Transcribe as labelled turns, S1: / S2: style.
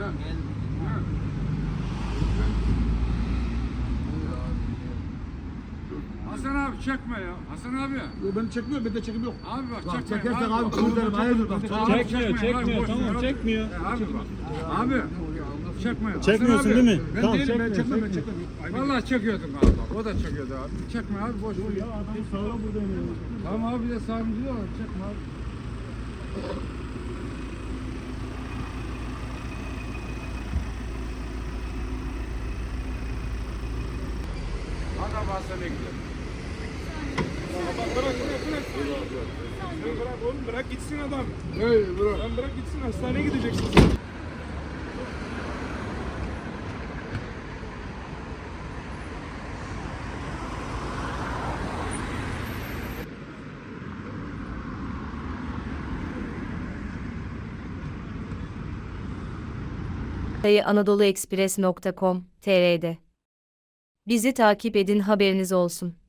S1: Hasan abi çekme ya. Hasan abi.
S2: Yo, beni çekmiyor, bende çekim yok.
S1: Abi bak
S2: Bak
S1: çekme.
S2: çekersen abi kırdarım, hayırdır bak.
S3: Çekmiyor, tamam çekmiyor.
S1: Abi bak. Abi. Çekme. Hasan
S3: Çekmiyorsun
S1: abi.
S3: değil mi?
S2: Ben
S3: Tamam,
S2: değilim, ben
S3: çekmiyor,
S2: çekmem, ben
S3: çekmiyor.
S2: çekmem.
S1: Vallahi çekiyordum abi bak. O da çekiyordu abi. Çekme abi boş ver.
S3: Ya adam sağlam burada oynuyor.
S1: Tamam abi de sağımcı diyor. Çekme abi. Hadi bahse bekliyorum.
S4: Bırak oğlum, bırak gitsin adam.
S1: Hey bırak.
S4: Lan bırak gitsin, hastaneye gideceksin.
S5: anadoluexpress.com.tr'de. Bizi takip edin, haberiniz olsun.